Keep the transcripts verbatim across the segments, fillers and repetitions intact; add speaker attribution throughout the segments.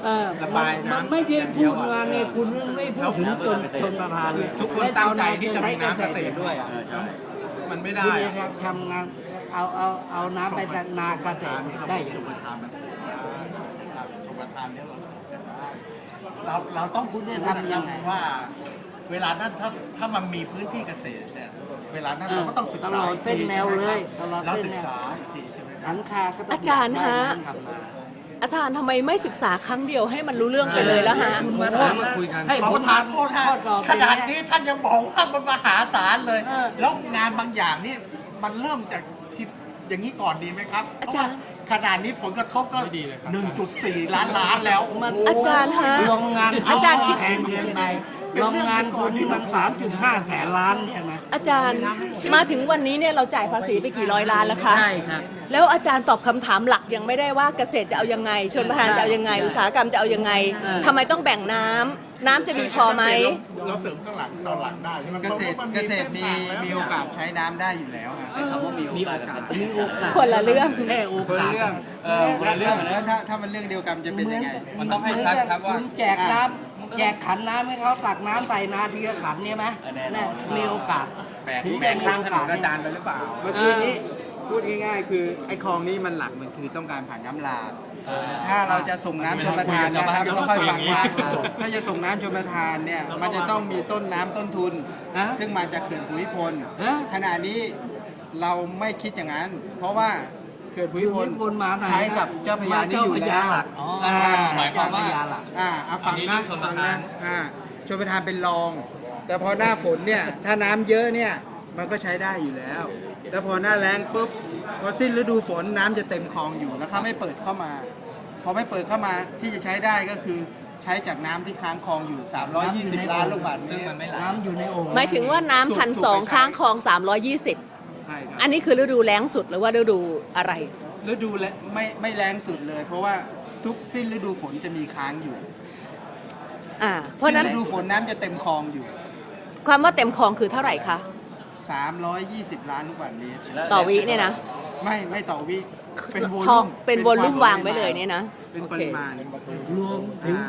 Speaker 1: เออ
Speaker 2: ระบายน้ำ
Speaker 1: มันไม่ได้พูดงานเนี่ยคุณไม่พูดถึงจนชนประทานเลย
Speaker 2: ทุกคนตั้งใจที่จะมีน้ำเกษตรด้วยอ่ะมันไม่ได้
Speaker 1: คุณ
Speaker 2: อะ
Speaker 1: จะทำงานเอาเอาเอาน้ำไปนาเกษตรได้ยังไง
Speaker 3: ชมประทานเนี่ยเราเราเราต้องพูดเนี่ยทำยังไงว่า เวลานั้นถ้าถ้ามันมีพื้นที่เกษตรเนี่ยเวลานั้นเราก็ต้องศึก
Speaker 1: ต
Speaker 3: ษา
Speaker 1: ลอดเส้นแนวเลยตลอด
Speaker 3: เรา
Speaker 1: เส้น
Speaker 3: ศึ
Speaker 1: แน
Speaker 3: ก
Speaker 1: ว
Speaker 3: ษาอีกทีใช่ไหมครับ
Speaker 1: หันคาก็ต้อง
Speaker 4: อาจารย์ฮะ
Speaker 1: ทำนา
Speaker 4: อาจารย์ทำไมไม่ศึกษาครั้งเดียวให้มันรู้เรื่องไปเลยแล้วฮะ
Speaker 1: คุณมาถาม
Speaker 2: มาคุยกัน
Speaker 1: ให้
Speaker 3: ขอ
Speaker 1: ผ
Speaker 3: ป
Speaker 1: ม
Speaker 3: ระทานโทษฮะ
Speaker 1: ข้อตอบ
Speaker 3: ขนาดนี้ท่านยังบอกว่ามันมหาศาลเลย
Speaker 1: เออ
Speaker 3: แล้วงานบางอย่างนี่มันเริ่มจากที่อย่างนี้ก่อนดีไหมครับ
Speaker 4: อาจารย์
Speaker 3: เพะว่าขนาดนี้ผลกระทบก็หนึ่งจุดสี่ล้านล้านแล้ว
Speaker 1: มัน
Speaker 4: อาจารย์ฮะ
Speaker 1: โรงงาน
Speaker 4: อาจารย์คิด
Speaker 1: แพงเกินไปโรงงานคุณนี่มันสามจุดห้าแสนล้านใช่ไหม
Speaker 4: อาจารย์มาถึงวันนี้เนี่ยเราจ่ายภาษีไปกี่ร้อยล้านแล้วคะ
Speaker 1: ใช่ครับ
Speaker 4: แล้วอาจารย์ตอบคำถามหลักยังไม่ได้ว่าเกษตรจะเอายังไง ชนประทานจะเอายังไง อุตสาหกรรมจะเอายังไง
Speaker 1: เออ
Speaker 4: ทำไมต้องแบ่งน้ำน้ำจะมีพอไหม
Speaker 3: เราเสริมข้างหลังตอนหลังได้ใช่ไหม
Speaker 2: เกษตรเกษตรมีมีโอกาสใช้น้ำได้อยู่แล้วอะ
Speaker 5: คำว่ามีโอกาสกับ
Speaker 1: มีโอกาส
Speaker 4: คนละเรื่อง
Speaker 1: แค่โอ
Speaker 2: คน
Speaker 1: กา
Speaker 2: ละ
Speaker 1: ส
Speaker 2: เรื่อง
Speaker 5: เออคนละเรื่อง
Speaker 2: แล้วถ้าถ้ามันเรื่องเดียวกันจะเป็นยังไง
Speaker 5: มันต้องให้ชัดครับว่า
Speaker 1: คุณแจกน้ำแจกขันน้ำให้เขาตักน้ำใส่นาทีละขันเนี่ยไหม
Speaker 5: แน่นอน
Speaker 1: น่ะมีโอกาส
Speaker 2: แบก
Speaker 1: ถึง
Speaker 2: แบ
Speaker 1: จะ
Speaker 2: ก
Speaker 1: มี
Speaker 2: ข้าง
Speaker 1: โอ
Speaker 2: ถน
Speaker 1: กาส
Speaker 2: นอาจารย์ไปหรือเปล่า เมื่อกี้นี้พูดง่ายๆ คือไอ้คลองนี้มันหลักมันคือต้องการผ่านน้ำหลากถ้าเราจะส่งน้ำชลประทานนะครับก็ค่อยฟังว่าถ้าจะส่งน้ำชลประทานเนี่ยมันจะต้องมีต้นน้ำต้นทุน
Speaker 1: ฮะ
Speaker 2: ซึ่งมาจากเขื่อนภูมิพล
Speaker 1: ฮะ
Speaker 2: ขณะนี้เราไม่คิดอย่างนั้น เพราะว่าเขื่อนภูมิพล
Speaker 1: ภูมิพลมาไหน
Speaker 2: ใช้กับเจ้าพระยานี่อยู่แล้ว
Speaker 5: อ๋อ
Speaker 1: อ่า
Speaker 5: หมายความว่า
Speaker 1: เจ้พระหลัก
Speaker 2: อ่าเอาฟัง
Speaker 5: อันนี้
Speaker 2: นะ
Speaker 5: ชลป
Speaker 2: ฟั
Speaker 5: ระ
Speaker 2: ง
Speaker 5: ทา
Speaker 2: นะ
Speaker 5: น
Speaker 2: อ่าชลประทานเป็นรอง แต่พอหน้าฝนเนี่ยถ้าน้ำเยอะเนี่ยมันก็ใช้ได้อยู่แล้ว แล้วพอหน้าแล้งปุ๊บพอสิ้นฤดูฝนน้ำจะเต็มคลองอยู่แล้วเขาไม่เปิดเข้ามา พอไม่เปิดเข้ามาที่จะใช้ได้ก็คือใช้จากน้ำที่ค้างคลองอยู่ สามร้อยยี่สิบ ล้านลูกบาศก์เม
Speaker 5: ซึ่ง
Speaker 2: ต
Speaker 5: มั
Speaker 2: ร
Speaker 5: นไม่ไหล
Speaker 1: น้ำอยู่ในโอ่ง
Speaker 4: หมายถึงว่าน้ำพันสองค้างคลองสามร้อยยี่สิบ
Speaker 2: ใช่ครับ
Speaker 4: อันนี้คือฤดูแล้งสุดหรือว่าฤดูอะไร
Speaker 2: ฤดูและไม่ไม่แรงสุดเลย เพราะว่าทุกสิ้นฤดูฝนจะมีค้างอยู่
Speaker 4: อ่า เพราะฉะนั้น
Speaker 2: สิ้ฤดูฝนน้ำจะเต็มคลองอยู่
Speaker 4: ความว่าเต็มคลองคือเท่าไหร่คะ
Speaker 2: สามร้อยยี่สิบ ล้านลูกบาศก์เมตร
Speaker 4: ต่อวิเนี่ยนะ
Speaker 2: ไม่ไม่ต่อวิเป็นโว
Speaker 4: คล
Speaker 2: ลุ่
Speaker 4: อง
Speaker 2: ม
Speaker 4: เป็นวอลลุ่ม
Speaker 2: คว
Speaker 4: วางไว้เลยเนี่ยนะ
Speaker 2: เป็น
Speaker 4: โอ
Speaker 2: ป
Speaker 4: เค
Speaker 2: ริมาณ
Speaker 1: รวมถึง
Speaker 2: อ่าร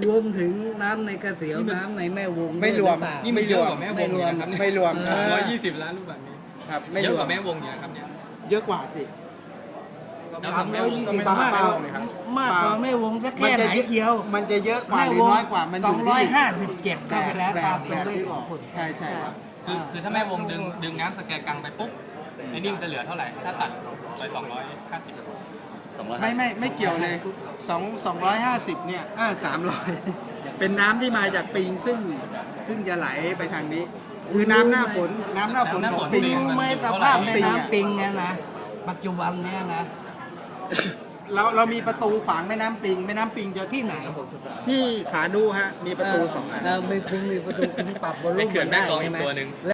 Speaker 1: วมถึงน้ำในกระเสียวน้ำในแม่วง
Speaker 2: ไม่รวม
Speaker 1: ด้วยหอเปล่า
Speaker 5: นี่มันเยอะกว่าแม่วงอีกนะครับ
Speaker 2: ไม่รวม
Speaker 5: สองร้อยยี่สิบล้านลูกบาศก์เมตร
Speaker 2: ครับไม่
Speaker 5: เย
Speaker 2: ร
Speaker 5: อะ
Speaker 2: ว
Speaker 5: ก
Speaker 2: ม
Speaker 5: ว่าแม่วงอยู่นะครับเนี่ย
Speaker 2: เยอะกว่าสิ
Speaker 5: แล้ว
Speaker 1: สาม
Speaker 5: ทำแม่
Speaker 1: ร้อยว
Speaker 5: ง
Speaker 1: ยี่
Speaker 5: ก็
Speaker 1: สิ
Speaker 5: ไม่
Speaker 1: บ
Speaker 5: ต้อง
Speaker 1: มาก
Speaker 5: แม่
Speaker 1: ก
Speaker 5: ว
Speaker 1: ว่าง
Speaker 5: เลยครับ
Speaker 1: มากกว่าแม่วงสักแค่ไหนเดียว
Speaker 2: มันจะเยอะกว่าหรือน้อยกว่ามันอ
Speaker 1: สอยู่ งร้อย
Speaker 2: ที่
Speaker 1: ห้าสิบเจ็ดก็ไปแล้ว
Speaker 2: แบบ
Speaker 1: ตามตัว
Speaker 2: แบบ
Speaker 1: เลข
Speaker 2: ที่
Speaker 1: ข
Speaker 2: บ
Speaker 1: อ
Speaker 2: อง ก
Speaker 1: คุณ
Speaker 2: ใช่ใช่ครับ
Speaker 5: คือคือถ้าแม่วงดึงดึงน้ำสแกนกลางไปปุ๊บไอ้นี่มันจะเหลือเท่าไหร่ ถ้าตัดไปสองร้อยห้าสิบ
Speaker 2: ไม่ไม่ไม่เกี่ยวเลยสองสองร้อยห้าสิบเนี่ยอ่าสามร้อยเป็นน้ำที่มาจากปิงซึ่งซึ่งจะไหลไปทางนี้ คือน้ำหน้าฝนน้ำหน้าฝนของปิง
Speaker 1: รู้ไหมสภาพแม่น้ำปิงเนี่ยนะ ปัจจุบันเนี่ยนะ
Speaker 2: เราเรามีประตูขวางแม่น้ำปิงแม่น้ำปิงจะ
Speaker 1: ที่ไหน
Speaker 2: ที่ขาดูฮะมีประตูสองอัน
Speaker 1: เออมีคุณมีประตูคุณปรับบน
Speaker 5: ไป
Speaker 1: ลูก
Speaker 5: เขื่อนแม่
Speaker 1: ได้
Speaker 5: กลองอี
Speaker 1: ใช่
Speaker 5: ก
Speaker 1: ไหม
Speaker 5: ตัวหนึ่ง